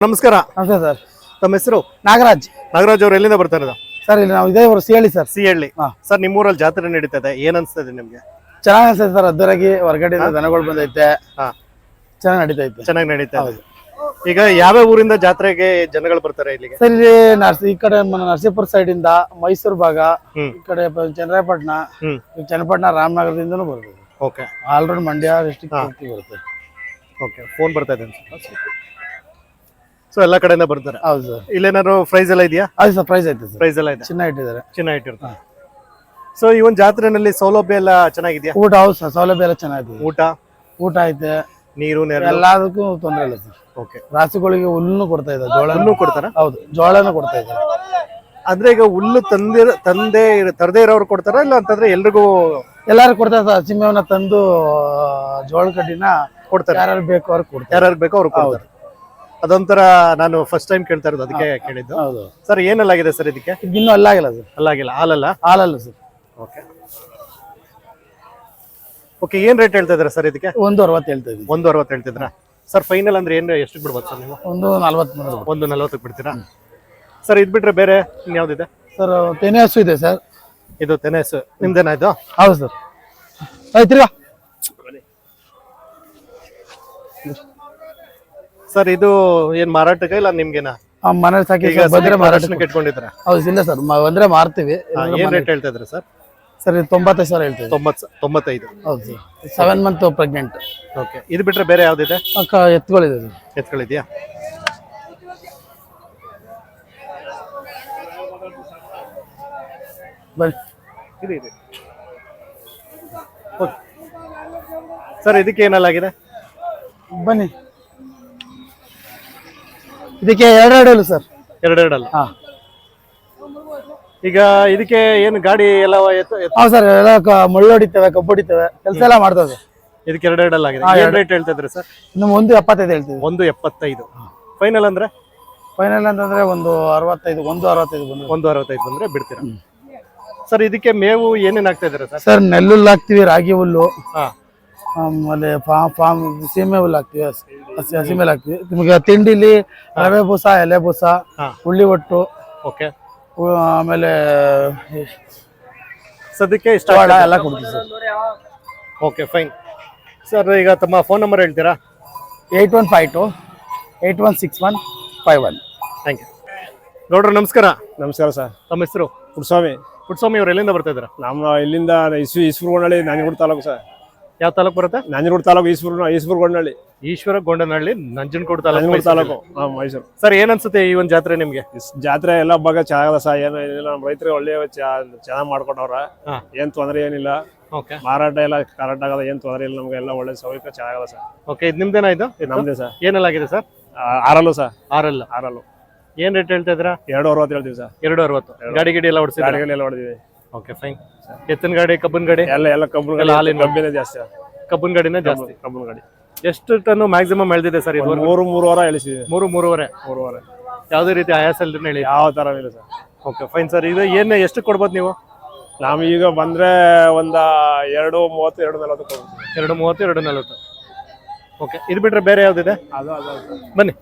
ನಮಸ್ಕಾರ. ನಮಸ್ತೆ ಸರ್. ತಮ್ಮ ಹೆಸರು? ನಾಗರಾಜ್. ನಾಗರಾಜ್ ಅವರು ಎಲ್ಲಿಂದ ಬರ್ತಾ ಇರೋದು? ಸರ್ ಇಲ್ಲಿ ನಾವು ಇದೇ ಊರು ಸಿಹಳ್ಳಿ ಸರ್. ಸಿಹಳ್ಳಿ. ಸರ್ ನಿಮ್ಮೂರಲ್ಲಿ ಜಾತ್ರೆ ನಡೀತದೆ, ಏನ್ ಅನ್ಸ್ತದೆ ನಿಮ್ಗೆ? ಚೆನ್ನಾಗಿ ಅನ್ಸುತ್ತೆ ಸರ್. ಅದ್ದರಾಗಿ ಹೊರಗಡೆ ದನಗಳು ಬಂದೈತೆ, ಚೆನ್ನಾಗಿ ನಡೀತೈತೆ. ಚೆನ್ನಾಗಿ ನಡೀತಾ ಇದೆ. ಈಗ ಯಾವ ಊರಿಂದ ಜಾತ್ರೆಗೆ ಜನಗಳು ಬರ್ತಾರೆ ಇಲ್ಲಿಗೆ? ಸರ್ ಇಲ್ಲಿ ಈ ಕಡೆ ನರಸೀಪುರ ಸೈಡ್ ಇಂದ, ಮೈಸೂರು ಭಾಗ, ಈ ಕಡೆ ಚನ್ನರಾಯಪಟ್ಟಣ, ಚನ್ನಪಟ್ಟಣ, ರಾಮನಗರದಿಂದನೂ ಬರ್ಬೋದು. ಓಕೆ. ಆಲ್ರೆಡಿ ಮಂಡ್ಯ ಡಿಸ್ಟ್ರಿಕ್ಟ್ ಬರುತ್ತೆ. ಓಕೆ, ಫೋನ್ ಬರ್ತಾ ಇದೆ ಸೊ ಎಲ್ಲ ಕಡೆಯಿಂದ ಬರ್ತಾರೆ. ಹೌದು ಸರ್. ಇಲ್ಲೇನಾದ್ರು ಪ್ರೈಸ್ ಎಲ್ಲ ಇದೆಯಾ? ಹೌದು ಸರ್, ಪ್ರೈಸ್ ಐತೆ ಸರ್. ಪ್ರೈಸ್ ಎಲ್ಲ ಇದೆ, ಚಿನ್ನ ಇಟ್ಟಿದ್ದಾರೆ, ಚಿನ್ನ ಇಟ್ಟಿರ್ತಾರೆ. ಸೊ ಈ ಒಂದು ಜಾತ್ರೆನಲ್ಲಿ ಸೌಲಭ್ಯ ಎಲ್ಲ ಚೆನ್ನಾಗಿದೆಯಾ? ಊಟ ಹೌದು ಸರ್, ಸೌಲಭ್ಯ ಎಲ್ಲ ಚೆನ್ನಾಗಿದೆ. ಊಟ ಐತೆ, ನೀರು ಎಲ್ಲದಕ್ಕೂ ತೊಂದರೆ ಇಲ್ಲ ಸರ್. ಓಕೆ. ರಾಸುಗಳಿಗೆ ಹುಲ್ಲು ಕೊಡ್ತಾ ಇದ್ದಾರೆ, ಜೋಳನೂ ಕೊಡ್ತಾರ? ಹೌದು, ಜೋಳನೂ ಕೊಡ್ತಾ ಇದ್ದಾರೆ. ಅಂದ್ರೆ ಈಗ ಹುಲ್ಲು ತರದೇ ಇರೋರು ಕೊಡ್ತಾರ ಇಲ್ಲ ಅಂತಂದ್ರೆ ಎಲ್ರಿಗೂ? ಎಲ್ಲಾರು ಕೊಡ್ತಾರೆ ಸರ್. ಹಸಿಮೇವನ್ನ ತಂದು ಜೋಳ ಕಡ್ಡಿನ ಕೊಡ್ತಾರೆ, ಯಾರು ಬೇಕು ಅವ್ರಿಗೆ ಕೊಡ್ತಾರೆ. ಯಾರು ಬೇಕೋ ಅವ್ರು ಕೊಡ್ತಾರೆ. ಅದೊಂಥರ ನಾನು ಫಸ್ಟ್ ಟೈಮ್ ಕೇಳ್ತಾ ಇರೋದು, ಅದಕ್ಕೆ ಕೇಳಿದ್ದು. ಹೌದು ಸರ್. ಏನೆಲ್ಲಾಗಿದೆ ಸರ್ ಇದಕ್ಕೆ? ಇನ್ನೂ ಅಲ್ಲಾಗಿಲ್ಲ ಸರ್. ಅಲ್ಲಾಗಿಲ್ಲ? ಹಾಲಲ್ಲ? ಹಾಲಲ್ಲ ಸರ್. Okay okay. ಏನ್ ರೇಟ್ ಹೇಳ್ತಾ ಇದ್ರ ಸರ್ ಇದಕ್ಕೆ? 1.60 ಹೇಳ್ತಾ ಇದ್ದೀವಿ. 1.60 ಹೇಳ್ತಿದ್ರ ಸರ್. ಫೈನಲ್ ಅಂದ್ರೆ ಏನ್ ಎಷ್ಟಕ್ಕೆ ಬಿಡ್ಬೋದು ಸರ್ ನೀವು? 1.40. 1.40 ಬಿಡ್ತೀರಾ ಸರ್? ಇದ್ ಬಿಟ್ರೆ ಬೇರೆ ಇನ್ಯಾವ್ದಿದೆ ಸರ್? ತೆನೆ ಹಸು ಇದೆ ಸರ್. ಇದು ತೆನೆಸು ನಿಮ್ದೇನಾ ಇದು? ಹೌದು ಸರ್. ಆಯ್ತಿರ್ಗ ಸರ್. ಇದು ಏನ್ ಮಾರಾಟಕ್ಕೆ ಇಲ್ಲ ನಿಮ್ಗೆನಾ? ಮನೆ ಸಾಕಿ ಬಂದ್ರೆ ಮಾರಾಟಕ್ಕೆ ಇಟ್ಕೊಂಡಿದ್ರ? ಹೌದು. ಇಲ್ಲ ಸರ್, ಬಂದ್ರೆ ಮಾರ್ತೀವಿ. ಏನ್ ರೇಟ್ ಹೇಳ್ತಾ ಇದ್ರ ಸರ್? ಸರ್ 95,000 ಹೇಳ್ತೀವಿ. 95. ಹೌದು ಸರ್. 7 month pregnant. ಓಕೆ. ಇದು ಬಿಟ್ರೆ ಬೇರೆ ಯಾವ್ದಿದೆ? ಎತ್ತುಗಳಿದೆ ಸರ್. ಎತ್ಗಳಿದ್ಯಾ? ಬನ್ನಿ. ಸರ್ ಇದಕ್ಕೆ ಏನಲ್ಲಾಗಿದೆ? ಬನ್ನಿ. ಇದಕ್ಕೆ 2 ಸರ್. 2 ಅಲ್ಲ? ಈಗ ಇದಕ್ಕೆ ಏನು ಗಾಡಿ ಎಲ್ಲ? ಹೌದು ಸರ್, ಎಲ್ಲ ಮಳ್ಳು ಹೊಡಿತೇವೆ, ಕಬ್ಬು ಹೊಡಿತೇವೆ, ಕೆಲಸ ಎಲ್ಲ ಮಾಡ್ತದೆ. ಇದಕ್ಕೆ 2 ಆಗಿದೆ. ಏನ್ ರೇಟ್ ಹೇಳ್ತಾ ಇದ್ರಿ ಸರ್? ಇನ್ನು 1.75 ಹೇಳ್ತೀವಿ. 1.75. ಫೈನಲ್ ಅಂದ್ರೆ? ಫೈನಲ್ ಅಂತಂದ್ರೆ 1.65 ಬಂದ್ರೆ 1.65 ಬಂದ್ರೆ ಬಿಡ್ತೀರಾ ಸರ್? ಇದಕ್ಕೆ ಮೇವು ಏನೇನ್ ಹಾಕ್ತಾ ಇದ್ದೀರಾ ಸರ್? ಸರ್ ನೆಲ್ಲುಲ್ಲು ಹಾಕ್ತಿವಿ, ರಾಗಿ ಹುಲ್ಲು, ಆಮೇಲೆ ಫಾರ್ಮ್ ಸೀಮೆ ಹುಲ್ಲು ಹಾಕ್ತಿವಿ, ಹಸಿಮೇಲೆ ಹಾಕ್ತಿವಿ. ನಿಮಗೆ ತಿಂಡಿಲಿ ರವೆ ಬೂಸ, ಎಲೆ ಬೂಸ, ಹುಳ್ಳಿ ಒಟ್ಟು, ಓಕೆ, ಆಮೇಲೆ ಸದ್ಯಕ್ಕೆ ಇಷ್ಟ ಎಲ್ಲ ಕೊಡ್ತೀವಿ ಸರ್. Okay, fine sir. ಈಗ ತಮ್ಮ ಫೋನ್ ನಂಬರ್ ಹೇಳ್ತೀರಾ? 8152 816151. Thank you. ಗೌಡ್ರು ನಮಸ್ಕಾರ. ನಮಸ್ಕಾರ ಸರ್. ತಮ್ಮ ಹೆಸರು? ಪುಟ್ಸ್ವಾಮಿ. ಪುಟ್ಸ್ವಾಮಿ ಅವ್ರು ಎಲ್ಲಿಂದ ಬರ್ತಾ ಇದ್ರ? ನಮ್ಮ ಇಲ್ಲಿಂದ ಈಶ್ವರಗೊಂಡಳ್ಳಿ, ನಂಜನಗೂಡು ತಾಲೂಕು ಸರ್. ಯಾವ ತಾಲೂಕು ಬರುತ್ತೆ? ನಂಜನಗೂಡು ತಾಲೂಕು, ಈಶ್ವರಗೊಂಡಳ್ಳಿ. ಈಶ್ವರಗೊಂಡನಹಳ್ಳಿ, ನಂಜನಗೂಡು ತಾಲೂಕು, ಮೈಸೂರು. ಸರ್ ಏನ್ ಅನ್ಸುತ್ತೆ ಈ ಒಂದು ಜಾತ್ರೆ ನಿಮ್ಗೆ? ಜಾತ್ರೆ ಎಲ್ಲ ಭಾಗ ಚೆನ್ನಾಗದ ಸರ್. ಏನಿಲ್ಲ, ನಮ್ಮ ರೈತರು ಒಳ್ಳೆ ಚೆನ್ನಾಗಿ ಮಾಡ್ಕೊಂಡವ್ರ. ಏನ್ ತೊಂದರೆ ಏನಿಲ್ಲ. ಮಾರಾಟ ಎಲ್ಲ ಕರೆಕ್ಟ್ ಆಗದ, ಏನ್ ತೊಂದರೆ ಇಲ್ಲ. ನಮ್ಗೆ ಎಲ್ಲ ಒಳ್ಳೆ ಸೌಕರ್ಯ ಚೆನ್ನಾಗದ ಸರ್. ಓಕೆ. ಇದು ನಿಮ್ದೇನಾ? ಇದು ನಮ್ದೇ ಸರ್. ಏನೆಲ್ಲಾಗಿದೆ ಸರ್? ಆರಲ್ಲು ಸರ್. ಆರಲ್ಲು. ಏನ್ ರೇಟ್ ಹೇಳ್ತಾ ಇದ್ರ? 2.60 ಹೇಳ್ತೀವಿ ಸರ್. 2.60. ಗಾಡಿ ಗಿಡಿ ಎಲ್ಲ ಹೊಡ್ಸಿ? ಗಾಡಿಗಳು ಎಲ್ಲ ಹೊಡೆದಿವಿ. Okay, fine. ಎತ್ತಿನ ಗಾಡಿ, ಕಬ್ಬನ್ ಗಾಡಿ ಎಲ್ಲ ಕಬ್ಬಿನ ಜಾಸ್ತಿ. ಕಬ್ಬನ್ ಗಾಡಿನ ಜಾಸ್ತಿ. ಕಬ್ಬನ್ ಗಾಡಿ ಎಷ್ಟು ಟನ್ ಮ್ಯಾಕ್ಸಿಮಮ್ ಎಳ್ದಿದೆ ಸರ್? ಇದು 3.5 ಎಳಿಸಿದ್ವಿ. 3.5. ಯಾವುದೇ ರೀತಿ ಆಯಾಸ ಇಲ್ದೇ ಹೇಳಿ? ಯಾವ ತರ ಇಲ್ಲ ಸರ್. Okay, fine sir. ಇದು ಏನ್ ಎಷ್ಟು ಕೊಡ್ಬೋದು ನೀವು? ನಾವು ಈಗ ಬಂದ್ರೆ ಒಂದ 2.30 2.40 2.30 2.40. ಓಕೆ. ಇದು ಬಿಟ್ರೆ ಬೇರೆ ಯಾವ್ದಿದೆ? ಬನ್ನಿ.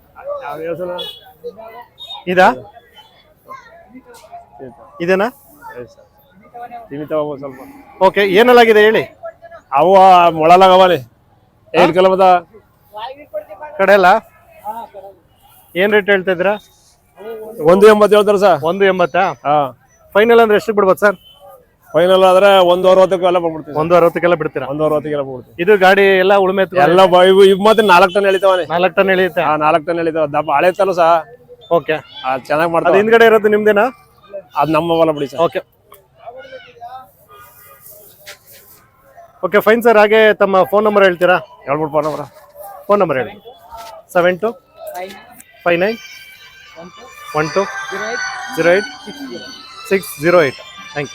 ಇದಾ? ಇದೇನಾ? ಸ್ವಲ್ಪ. ಓಕೆ. ಏನೆಲ್ಲಾಗಿದೆ ಹೇಳಿ? ಅವು ಮೊಳಲಾಗವಲ್ಲಿ 8 ಕಿಲೋಮೀಟರ್ ಕಡೆ ಎಲ್ಲ ಏನ್ ರೇಟ್ ಹೇಳ್ತಾ ಇದ್ದೀರಾ? 1.80 ಹೇಳ್ತಾರೆ ಸರ್. 1.80. ಫೈನಲ್ ಅಂದ್ರೆ ಎಷ್ಟು ಬಿಡ್ಬೋದು ಸರ್? ಫೈನಲ್ ಆದ್ರೆ 1.60 ಬಂದ್ಬಿಡ್ತೀವಿ. 1.60 ಬಿಡ್ತೀರಾ? 1.60 ಬಿಡ್ತೀವಿ. ಇದು ಗಾಡಿ ಎಲ್ಲ ಉಳುಮೆ ಎಲ್ಲ ಇವ್ ಮತ್ತೆ 4 ಟನ್ ಎಳಿತಾವನೆ. 4 ಟನ್ ಎಳಿಯುತ್ತೆ? 4 ಟನ್ ಎಳಿತಾವ. ದಪ್ಪ ಹಳೆ ತಲ್ಲ ಸಹ. ಓಕೆ. ಚೆನ್ನಾಗಿ ಮಾಡ್ತಾರೆ. ಹಿಂದ್ಗಡೆ ಇರೋದು ನಿಮ್ದೇನಾ? ಅದು ನಮ್ಮ ಹೊಲ ಬಿಡಿ sir. Okay okay, fine sir. ಹಾಗೆ ತಮ್ಮ ಫೋನ್ ನಂಬರ್ ಹೇಳ್ತೀರಾ? ಹೇಳ್ಬಿಟ್ಟು ಫೋನ್ ನಂಬರ್ ಹೇಳಿ. 72 59 12 08 608. Thank you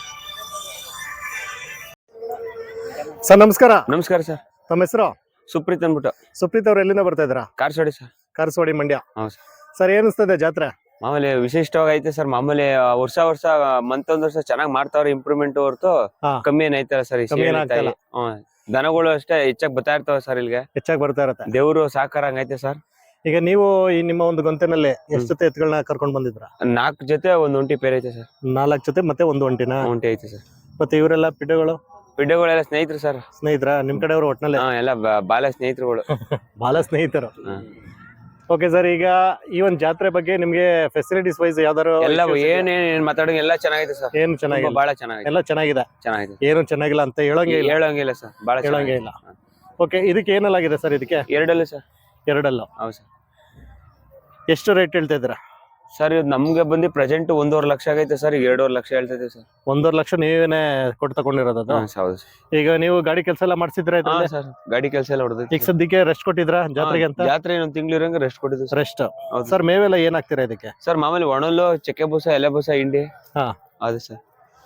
sir. ನಮಸ್ಕಾರ. ನಮಸ್ಕಾರ ಸರ್. ತಮ್ಮ ಹೆಸರು? ಸುಪ್ರೀತ್ ಅಂದ್ಬಿಟ್ಟು. ಸುಪ್ರೀತ್ ಅವ್ರು ಎಲ್ಲಿಂದ ಬರ್ತಾ ಇದ್ದೀರಾ? ಕಾರ್ಸೋಡಿ ಸರ್. ಕಾರ್ಸೋಡಿ, ಮಂಡ್ಯ. ಹೌದು ಸರ್. ಸರ್ ಏನ್ ಅನಿಸ್ತದೆ ಜಾತ್ರೆ? ಮಾಮೂಲಿ ವಿಶಿಷ್ಟವಾಗಿ ಐತೆ ಸರ್. ಮಾಮೂಲಿ ವರ್ಷ ಮಂತ್ ವರ್ಷ ಚೆನ್ನಾಗಿ ಮಾಡ್ತಾವ್ರೆ. ಇಂಪ್ರೂವ್ಮೆಂಟ್ ಹೊರತು ಕಮ್ಮಿ ಏನೈತಲ್ಲ ಸರ್. ದನಗಳು ಅಷ್ಟೇ ಹೆಚ್ಚಾಗಿ ಬರ್ತಾ ಇರ್ತಾವ ಸರ್. ಇಲ್ಲಿಗೆ ಹೆಚ್ಚಾಗಿ ಬರ್ತಾ ಇರತ್ತೆ. ದೇವ್ರು ಸಾಕಾರ ಹಂಗೈತೆ ಸರ್. ಈಗ ನೀವು ಈ ನಿಮ್ಮ ಒಂದು ಗೊಂತೆನಲ್ಲಿ ಎಷ್ಟು ಜೊತೆ ಎತ್ತುಗಳನ್ನ ಕರ್ಕೊಂಡ್ ಬಂದಿದ್ರ? 4 ಜೊತೆ ಒಂದ್ ಒಂಟಿ ಪೇರ್ ಐತೆ ಸರ್. 4 ಜೊತೆ ಮತ್ತೆ ಒಂದು ಒಂಟಿನ ಒಂಟಿ ಐತೆ ಸರ್. ಮತ್ತೆ ಇವರೆಲ್ಲ ಪಿಡ್ಡೆಗಳು ಪಿಡ್ಡೆಗಳೆಲ್ಲ ಸ್ನೇಹಿತರು ಸರ್. ಸ್ನೇಹಿತರ ನಿಮ್ ಕಡೆಯವರು ಒಟ್ನಲ್ಲಿ? ಎಲ್ಲ ಬಾಲ ಸ್ನೇಹಿತರುಗಳು. ಬಾಲ ಸ್ನೇಹಿತರು. ಓಕೆ ಸರ್, ಈಗ ಈ ಒಂದು ಜಾತ್ರೆ ಬಗ್ಗೆ ನಿಮ್ಗೆ ಫೆಸಿಲಿಟೀಸ್ ವೈಸ್ ಯಾವ್ದಾರು ಎಲ್ಲ ಏನ್ ಮಾತಾಡೋ ಎಲ್ಲ ಚೆನ್ನಾಗಿದೆ ಸರ್. ಏನು ಚೆನ್ನಾಗಿಲ್ಲ? ಬಹಳ ಚೆನ್ನಾಗಿದೆ. ಎಲ್ಲ ಚೆನ್ನಾಗಿದೆ. ಏನು ಚೆನ್ನಾಗಿಲ್ಲ ಅಂತ ಹೇಳಂಗಿಲ್ಲ ಸರ್. ಬಹಳ ಹೇಳಂಗಿಲ್ಲ. ಓಕೆ, ಇದಕ್ಕೆ ಏನಲ್ಲಾಗಿದೆ ಸರ್? ಇದಕ್ಕೆ 2 ಸರ್. 2 ಹೌದು ಸರ್. ಎಷ್ಟು ರೇಟ್ ಹೇಳ್ತಾ ಇದ್ದೀರಾ ಸರ್? ಇದು ನಮ್ಗೆ ಬಂದು ಪ್ರೆಸೆಂಟ್ 1.5 ಲಕ್ಷ ಆಗೈತೆ ಸರ್. ಈಗ 2.5 ಲಕ್ಷ ಹೇಳ್ತಾ ಇದೀವಿ ಸರ್. 1.5 ಲಕ್ಷ ನೀವೇನೆ ಕೊಟ್ಟು ತಗೊಂಡಿರೋದು? ಹೌದು. ಈಗ ನೀವು ಗಾಡಿ ಕೆಲಸ ಎಲ್ಲ ಮಾಡಿಸಿದ್ರೆ ಸರ್? ಗಾಡಿ ಕೆಲಸ ಎಲ್ಲ ಹೊಡೆದೈತಿ. ಈಗ ಸದ್ಯಕ್ಕೆ ರೆಸ್ಟ್ ಕೊಟ್ಟಿದ್ರಾ ಜಾತ್ರೆಗೆ ಅಂತ? ಜಾತ್ರೆ ಇನ್ನೊಂದು ತಿಂಗಳು ಇರಂಗ ರೆಸ್ಟ್ ಕೊಟ್ಟಿದ್ವಿ ಸರ್. ರೆಸ್ಟ್. ಸರ್, ಮೇವೆಲ್ಲ ಏನಾಗ್ತೀರಾ ಇದಕ್ಕೆ? ಸರ್ ಮಾಮೂಲಿ ಒಣಲ್ಲು, ಚಕ್ಕೆ ಬೂಸ, ಎಲೆ ಬೂಸ, ಹಿಂಡಿ. ಹೌದು ಸರ್.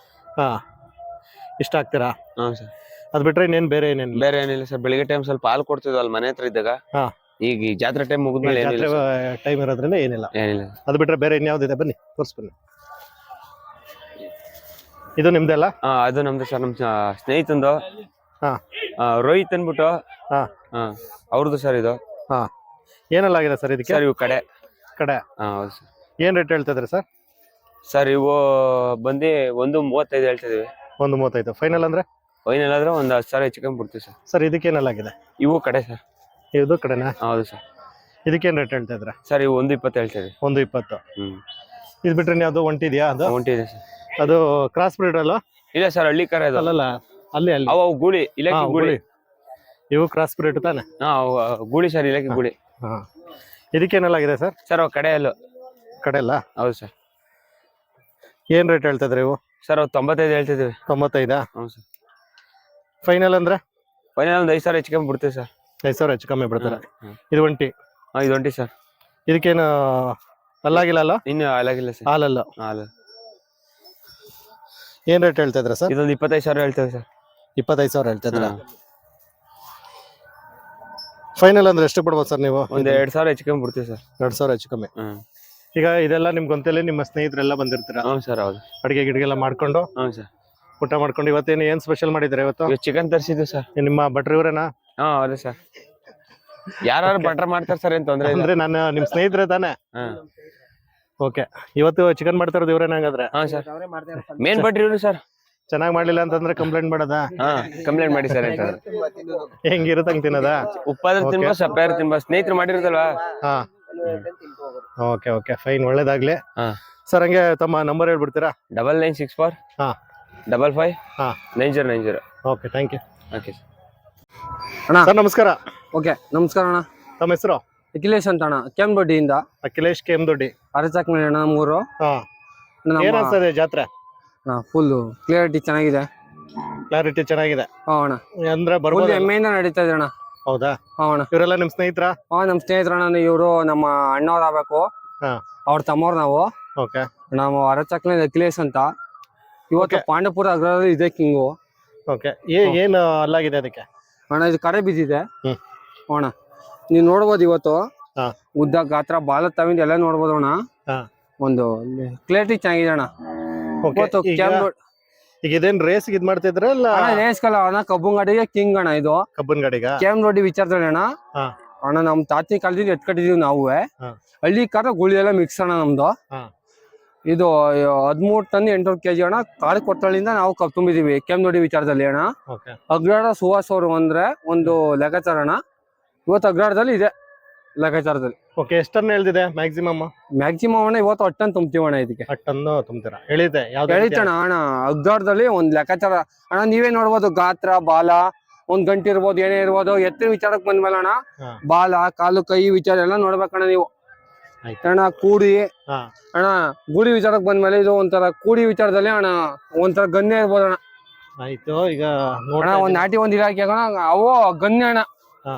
ಇಷ್ಟ ಆಗ್ತೀರಾ? ಸರ್. ಅದ್ ಬಿಟ್ರೆ ಇನ್ನೇನ್ ಬೇರೆ ಏನಿಲ್ಲ ಸರ್. ಬೆಳಿಗ್ಗೆ ಟೈಮ್ ಸ್ವಲ್ಪ ಹಾಲು ಕೊಡ್ತಿದ್ವಿ ಅಲ್ಲಿ ಮನೆ ಹತ್ರ ಇದ್ದಾಗ. ಈಗ ಈ ಜಾತ್ರೆ ಟೈಮ್ ಮುಗಿದ್ಮೇಲೆ ಟೈಮ್ ಇರೋದ್ರಿಂದ ಏನಿಲ್ಲ. ಅದ್ ಬಿಟ್ರೆ ಬೇರೆ ಇನ್ಯಾವ್ದಿದೆ? ಬನ್ನಿ ತೋರಿಸ್ಬನ್ನಿ. ಇದು ನಿಮ್ದೆಲ್ಲ? ಅದು ನಮ್ದು ಸರ್. ನಮ್ ಸ್ನೇಹಿತಂದು ರೋಹಿತ್ ಅನ್ಬಿಟ್ಟು ಅವ್ರದ್ದು ಸರ್ ಇದು. ಏನೆಲ್ಲ ಆಗಿದೆ ಸರ್ ಇದಕ್ಕೆ? ಸರ್ ಇವು ಕಡೆ ಹೌದು ಸರ್. ಏನ್ ರೇಟ್ ಹೇಳ್ತಾ ಇದ್ರಿ ಸರ್? ಸರ್ ಇವು ಬಂದು 1.35 ಹೇಳ್ತಾ ಇದೀವಿ. 1.35 ಫೈನಲ್ ಅಂದ್ರೆ? ಫೈನಲ್ ಆದ್ರೆ 10,000 ಹೆಚ್ಚು ಕಮ್ಮಿ ಬಿಡ್ತೀವಿ ಸರ್. ಸರ್, ಇದಕ್ಕೇನೆಲ್ಲ ಆಗಿದೆ? ಇವು ಕಡೆ ಸರ್. ಇದು ಕಡೆನಾ? ಹೌದು ಸರ್. ಇದಕ್ಕೇನ್ ರೇಟ್ ಹೇಳ್ತಾ ಇದ್ರ? ಸರ್ ಇವು 1.20 ಹೇಳ್ತಾ ಇದೀವಿ. 1.20. ಇದು ಬಿಟ್ರೆ ಯಾವ್ದು ಒಂಟಿ ಇದೆಯಾ? ಅದು ಒಂಟಿ ಇದೆ ಸರ್. ಅದು ಕ್ರಾಸ್ ಬ್ರೀಡ್ ಅಲ್ಲ? ಇಲ್ಲ ಸರ್, ಹಳ್ಳಿ ಕರ ಇದು. ಅಲ್ಲಲ್ಲ, ಅಲ್ಲಿ ಅವು ಗೂಳಿ, ಇಲಾಖೆ ಗೂಳಿ. ಇವು ಕ್ರಾಸ್ ಬ್ರೀಡ್ ತಾನೆ? ಗೂಳಿ ಸರ್, ಇಲಾಖೆ ಗೂಳಿ. ಇದಕ್ಕೇನೆಲ್ಲ ಆಗಿದೆ ಸರ್? ಸರ್ ಅವು ಕಡೆ ಅಲ್ಲ? ಹೌದು ಸರ್. ಏನ್ ರೇಟ್ ಹೇಳ್ತಾ ಇದ್ರಿ ಇವು? ಸರ್ ಅವು 95 ಹೇಳ್ತಿದ್ವಿ. 95? ಹೌದು ಸರ್. ಫೈನಲ್ ಅಂದ್ರೆ? ಫೈನಲ್ ಒಂದು 5,000 ಹೆಚ್ಚು ಕಮ್ಮಿ ಬಿಡ್ತೀವಿ ಸರ್. 5,000 ಹೆಚ್ಚು ಕಮ್ಮಿ ಬಿಡ್ತಾರೆ. ಇದು ಒಂಟಿ? ಇದು ಒಂಟಿ ಸರ್. ಇದಕ್ಕೇನು ಅಲ್ಲಾಗಿಲ್ಲ ಅಲ್ಲ? ಇನ್ನು ಹಾಲಾಗಿಲ್ಲ ಸರ್. ಹಾಲಲ್ಲ? ಹಾಲು. ಏನ್ ರೇಟ್ ಹೇಳ್ತಾ ಇದ್ರ ಸರ್? ಇದೊಂದು 25,000 ಹೇಳ್ತೇವೆ ಸರ್. 25,000 ಹೇಳ್ತಾ ಇದ್ರ? ಫೈನಲ್ ಅಂದ್ರೆ ಎಷ್ಟು ಬಿಡ್ಬೋದು ಸರ್ ನೀವು? ಒಂದು 2,000 ಹೆಚ್ಚು ಕಮ್ಮಿ ಬಿಡ್ತೀವಿ ಸರ್. 2,000 ಹೆಚ್ಚು ಕಮ್ಮಿ. ಈಗ ಇದೆಲ್ಲ ನಿಮ್ ಗೊಂತೆಲಿ ನಿಮ್ಮ ಸ್ನೇಹಿತರೆಲ್ಲ ಬಂದಿರ್ತೀರಾ? ಹ್ಞೂ ಸರ್. ಹೌದು. ಅಡಿಗೆ ಗಿಡಿಗೆಲ್ಲ ಮಾಡ್ಕೊಂಡು? ಹ್ಞೂ ಸರ್. ಊಟ ಮಾಡ್ಕೊಂಡು ಇವತ್ತೇನು ಏನ್ ಸ್ಪೆಷಲ್ ಮಾಡಿದ್ರೆ ಇವತ್ತು? ಚಿಕನ್ ತರಿಸಿದ್ವಿ ಸರ್. ನಿಮ್ಮ ಭಟ್ರು ಇವರೇನಾ? ಹೌದು ಸರ್. ಯಾರು ಬಟರ್ ಮಾಡ್ತಾರೆ ಸರ್, ಏನ್ ತೊಂದ್ರೆ ಇಲ್ಲ. ಅಂದ್ರೆ ನಾನು ನಿಮ್ ಸ್ನೇಹಿತರೆ ತಾನೆ? ಓಕೆ, ಇವತ್ತು ಚಿಕನ್ ಮಾಡ್ತಾ ಇರೋದು ಇವ್ರೇನ ಹಂಗಾದ್ರೆ? ಸರ್, ಮೇನ್ ಭಟ್ರು ಇವ್ರು ಸರ್. ಚೆನ್ನಾಗಿ ಮಾಡ್ಲಿಲ್ಲ ಅಂತಂದ್ರೆ ಕಂಪ್ಲೇಂಟ್ ಮಾಡೋದಾ? ಕಂಪ್ಲೇಂಟ್ ಮಾಡಿ ಸರ್. ಹೆಂಗಿರುತ್ತೆ ಹಂಗ್ ತಿನ್ನೋದಾ? ಉಪ್ಪಾದ್ರೆ ತಿನ್ಬೋದು, ಸಪ್ಪಾದ್ರೆ ತಿನ್ಬೋದು. ಸ್ನೇಹಿತರು ಮಾಡಿರುತ್ತಲ್ವಾ? ಓಕೆ ಓಕೆ, ಫೈನ್, ಒಳ್ಳೇದಾಗ್ಲಿ. ಸರ್, ಹಂಗೆ ತಮ್ಮ ನಂಬರ್ ಹೇಳ್ಬಿಡ್ತೀರಾ? 9964 55 9090. Okay, thank you. ಓಕೆ ಅಣ್ಣ. ಸರ್, ನಮಸ್ಕಾರ. ಓಕೆ, ನಮಸ್ಕಾರ ಅಣ್ಣ. ತಮ್ಮ ಹೆಸರು? ಅಖಿಲೇಶ್ ಅಂತ ಅಣ್ಣ, ಕೆಂದೊಡ್ಡಿಯಿಂದ. ಅಖಿಲೇಶ್ ಕೆಂದೊಡ್ಡಿ. ಅರಚಾಕ್ಮೇಲೆ ಅಣ್ಣ, ನಮ್ಮೂರು. ಏನ್ ಅನ್ಸ್ತದೆ ಜಾತ್ರೆ? ಫುಲ್ ಕ್ಲಿಯರಿಟಿ ಚೆನ್ನಾಗಿದೆ. ಕ್ಲಾರಿಟಿ ಚೆನ್ನಾಗಿದೆ ಅಣ್ಣ. ಅಂದ್ರೆ ಬರ್ಬೋದು, ಎಮ್ಮೆಯಿಂದ ನಡೀತಾ ಇದೆ ಅಣ್ಣ. ಹೌದಾ? ಅಣ್ಣ. ಇವರೆಲ್ಲ ನಿಮ್ ಸ್ನೇಹಿತರ? ನಮ್ ಸ್ನೇಹಿತರಣ್ಣ. ಇವರು ನಮ್ಮ ಅಣ್ಣವ್ರು ಆಗ್ಬೇಕು. ಅವ್ರ ತಮ್ಮವ್ರು ನಾವು. ಓಕೆ. ನಾವು ಅರಚಾಕ್ಮೇಲೆ ಅಖಿಲೇಶ್ ಅಂತ. ಇವತ್ತು ಪಾಂಡವಪುರ ಅಗ್ರದಲ್ಲಿ ಇದೆ ಕಿಂಗು. ಓಕೆ, ಏನು ಅಲ್ಲಾಗಿದೆ ಅದಕ್ಕೆ? ಅಣ್ಣ, ಇದು ಕರೆ ಬಿದ್ದಿದೆ ಅಣ್ಣ. ನೀವ್ ನೋಡ್ಬೋದು ಇವತ್ತು. ಉದ್ದ, ಗಾತ್ರ, ಬಾಲ ತವಿಂದ ಎಲ್ಲ ನೋಡ್ಬೋದು ಅಣ್ಣ. ಒಂದು ಕ್ಲಿಯರಿಟಿ ಚೆನ್ನಾಗಿದೆ ಅಣ್ಣ. ಈಗ ಇದೇನ್ ರೇಸ್ ಇದ್ ಮಾಡ್ತಿದ್ರ? ರೇಸ್ ಕಲ್ಲ ಅಣ್ಣ, ಕಬ್ಬನ್ ಗಾಡಿಗೆ ಕಿಂಗ್ ಅಣ್ಣ. ಇದು ಕಬ್ಬನ್ ಗಾಡಿಗ ಕೆಂದೊಡ್ಡಿ ವಿಚಾರದಲ್ಲಿ ಅಣ್ಣ. ಅಣ್ಣ, ನಮ್ ತಾತಿ ಕಾಲದಿಂದ ಎತ್ಕಟ್ಟಿದೀವಿ ನಾವು. ಹಳ್ಳಿ ಕಾರ ಗುಳಿ ಎಲ್ಲ ಮಿಕ್ಸ್ ಅಣ್ಣ ನಮ್ದು. ಇದು 13 ಟನ್ 800 kg ಅಣ್ಣ. ಕಾಳು ಕೊಟ್ಟಳಿಂದ ನಾವು ಕಬ್ಬು ತುಂಬಿದೀವಿ ಕೆಂದೊಡ್ಡಿ ವಿಚಾರದಲ್ಲಿ ಅಣ್ಣ. ಅಗ್ರಾಡ ಸುಹಾಸ್ ಅವರು ಅಂದ್ರೆ ಒಂದು ಲೆಕ್ಕಾಚಾರ ಅಣ್ಣ. ಇವತ್ತು ಅಗ್ರಾಡದಲ್ಲಿ ಇದೆ ಲೆಕ್ಕಾಚಾರದಲ್ಲಿ. ಓಕೆ, ಎಷ್ಟು ಟನ್ ಹೇಳ್ತಿದೆ ಮ್ಯಾಕ್ಸಿಮಮ್? ಮ್ಯಾಕ್ಸಿಮಮ್ ಅಣ್ಣ ಇವತ್ತು 8 ಟನ್ ತುಂಬ್ತೀವಿ ಅಣ್ಣ. ಇದಕ್ಕೆ 8 ಟನ್ ತುಂಬ್ತೀರಾ? ಹೇಳಿದೆ ಹೇಳಿತಣ್ಣ ಅಣ್ಣ. ಅಗ್ರಾಡದಲ್ಲಿ ಒಂದ್ ಲೆಕ್ಕಾಚಾರ ಅಣ್ಣ. ನೀವೇ ನೋಡ್ಬೋದು, ಗಾತ್ರ, ಬಾಲ, ಒಂದ್ ಗಂಟೆ ಇರ್ಬೋದು, ಏನೇ ಇರ್ಬೋದು. ಎತ್ತಿನ ವಿಚಾರಕ್ಕೆ ಬಂದ್ಮೇಲೆ ಅಣ್ಣ, ಬಾಲ, ಕಾಲು, ಕೈ ವಿಚಾರ ಎಲ್ಲ ನೋಡ್ಬೇಕಣ್ಣ ನೀವು ಅಣ್ಣ. ಕೂಡಿ ಅಣ್ಣ, ಗೂಡಿ ವಿಚಾರಕ್ಕೆ ಬಂದ್ಮೇಲೆ ಇದು ಒಂಥರ ಕೂಡಿ ವಿಚಾರದಲ್ಲಿ ಅಣ್ಣ ಒಂಥರ ಗನ್ಯ ಇರ್ಬೋದು ಅಣ್ಣ. ಆಯ್ತು. ಈಗ ಅಣ್ಣ, ಒಂದ್ ನಾಟಿ ಒಂದ್ ಇಲಾಖೆ ಅಣ್ಣ, ಅವು ಗನ್ಯ ಅಣ್ಣ.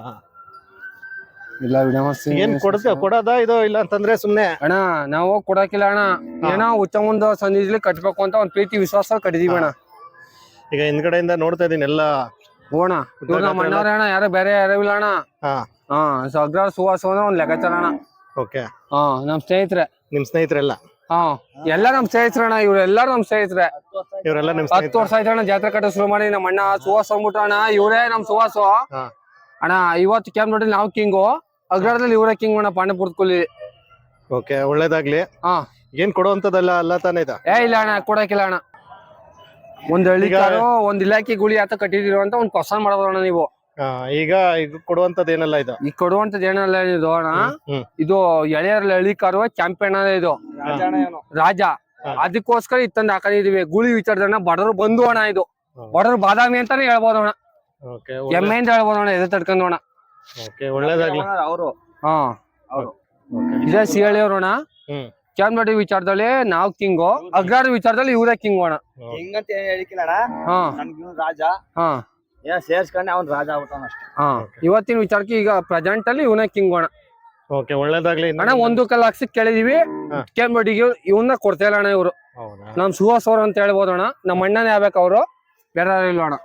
ಇಲ್ಲ ಏನ್ ಕೊಡೋದ ಇದು? ಇಲ್ಲ ಅಂತಂದ್ರೆ ಸುಮ್ನೆ ಅಣ್ಣ ನಾವು ಕೊಡಕಿಲ್ಲ ಅಣ್ಣ. ಏನೋ ಉಚ್ಚ ಮುಂದ ಸಂಧಿಲಿ ಕಟ್ಬೇಕು ಅಂತ ಒಂದ್ ಪ್ರೀತಿ ವಿಶ್ವಾಸ ಕಟ್ಟಿದೀವಿ ಅಣ್ಣ. ಈಗ ಹಿಂದ್ಗಡೆಯಿಂದ ನೋಡ್ತಾ ಇದೀನಿ ಎಲ್ಲ. ಹೋಣ, ಇವ್ರು ನಮ್ಮ ಅಣ್ಣವ್ರೆ ಅಣ್ಣ, ಯಾರು ಬೇರೆ ಯಾರು ಇಲ್ಲ ಅಣ್ಣ. ಅಗ್ರ ಸುವಾಸ ಅಂದ್ರೆ ಒಂದ್ ಲೆಕ್ಕಾಚಾರ ಅಣ್ಣ. ಓಕೆ. ನಮ್ ಸ್ನೇಹಿತರೆ. ನಿಮ್ ಸ್ನೇಹಿತರೆಲ್ಲ? ಎಲ್ಲ ನಮ್ ಸ್ನೇಹಿತರಣ್ಣ. ಇವ್ರೆಲ್ಲಾರು ನಮ್ ಸ್ನೇಹಿತರೆ. ಇವರೆಲ್ಲ ನಿಮ್ 10 ವರ್ಷ ಆಯ್ತು ಅಣ್ಣ ಜಾತ್ರೆ ಕಟ್ಟ ಶುರು ಮಾಡಿ. ನಮ್ಮ ಅಣ್ಣ ಸುವಾಸ ಅಂದ್ಬಿಟ್ಟು ಅಣ್ಣ, ಇವರೇ ನಮ್ ಸುವಾಸ ಅಣ್ಣ. ಇವತ್ತು ಕೆಂಪು ನೋಡಿ ನಾವು ಕಿಂಗು. ಅಗ್ರದಲ್ಲಿ ಇವರೇ ಕಿಂಗ್ ಅಣ್ಣ ಪಾಂಡಪುರದ ಕೂಲಿ. ಓಕೆ ಒಳ್ಳೇದಾಗ್ಲಿ. ಹಾ ಏನ್ ಕೊಡುವಂತದಲ್ಲ ಅಲ್ಲ ತಾನೇ ಇದು? ಇಲ್ಲ ಅಣ್ಣ ಕೊಡಕಿಲ್ಲ ಅಣ್ಣ. ಒಂದ್ ಹಳ್ಳಿ ಕಾರು ಒಂದ್ ಇಲಾಖೆ ಗುಳಿ ಆತ ಕಟ್ಟಿದಿರೋ ಅಂತ ಒಂದ್ ಕ್ವಶನ್ ಮಾಡಬೋದಣ್ಣ ನೀವು. ಈಗ ಕೊಡುವಂತದ್ದು ಏನಲ್ಲ ಇದು? ಈಗ ಕೊಡುವಂತದ್ದು ಏನಲ್ಲ ಇದು ಅಣ್ಣ. ಇದು ಎಳೆಯರ್ ಹಳ್ಳಿ ಕಾರು ಚಾಂಪಿಯನ್ ಇದು ರಾಜ. ಅದಕ್ಕೋಸ್ಕರ ಇತ್ತಂದ್ ಹಾಕೊಂಡಿದೀವಿ. ಗುಳಿ ವಿಚಾರದಣ್ಣ ಬಡವರು ಬಂದು ಅಣ್ಣ. ಇದು ಬಡವರು ಬಾದಾಮಿ ಅಂತಾನೆ ಹೇಳ್ಬೋದು ಅಣ್ಣ. ಎಮ್ಮೆ ಅಂತ ಹೇಳ್ಬೋದು ಅಣ್ಣ. ಎದೆ ತಡ್ಕೊಂಡು ಅಣ್ಣ. ಒಳ್ಳೇದಾಗ್ಲಿ. ಹಾ ಇದೇ ಸಿಹಳಿ ಅವ್ರು ಅಣ್ಣ. ಚಾಮರಾಡಿ ವಿಚಾರದಲ್ಲಿ ನಾವು ಕಿಂಗು, ಅಗ್ರಾರ ವಿಚಾರದಲ್ಲಿ ಇವರೇ ಕಿಂಗು ಅಣ್ಣ. ಹಿಂಗಂತ ಹೇಳಿಕಿಲ್ಲ ನನ್ಗಿವ್ನು ರಾಜ ಸೇರ್ಸ್ಕೊಂಡೆ ಅವ್ನ್ ರಾಜ ಆಗ್ಬಿಟ್ಟಾನ ಅಷ್ಟೇ. ಇವತ್ತಿನ ವಿಚಾರಕ್ಕೆ ಈಗ ಪ್ರೆಸೆಂಟ್ ಅಲ್ಲಿ ಇವನೇ ಕಿಂಗು ಅಣ್ಣ. ಓಕೆ ಒಳ್ಳೇದಾಗ್ಲಿ. ಅಣ್ಣ 1 ಲಕ್ಷಕ್ಕೆ ಕೇಳಿದೀವಿ. ಚಾಮರಾಡಿಗೆ ಇವನ್ನ ಕೊಡ್ತಾ ಇಲ್ಲ ಅಣ್ಣ. ಇವ್ರು ನಮ್ ಸುಹಾಸ್ ಅವ್ರು ಅಂತ ಹೇಳ್ಬೋದು ಅಣ್ಣ. ನಮ್ಮ ಅಣ್ಣನೇ ಆಗ್ಬೇಕು ಅವ್ರು, ಬೇರೆ ಇಲ್ಲ ಅಣ್ಣ.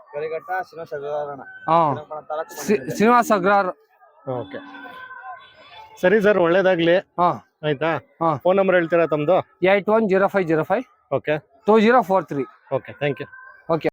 ಶ್ರೀನಿವಾಸ್ ಅಗ್ರಾರ್. ಓಕೆ ಸರಿ ಸರ್ ಒಳ್ಳೇದಾಗ್ಲಿ. ಆಯ್ತಾ? ಫೋನ್ ನಂಬರ್ ಹೇಳ್ತೀರಾ ತಮ್ದು? 810505 ಓಕೆ 2043. Okay thank you.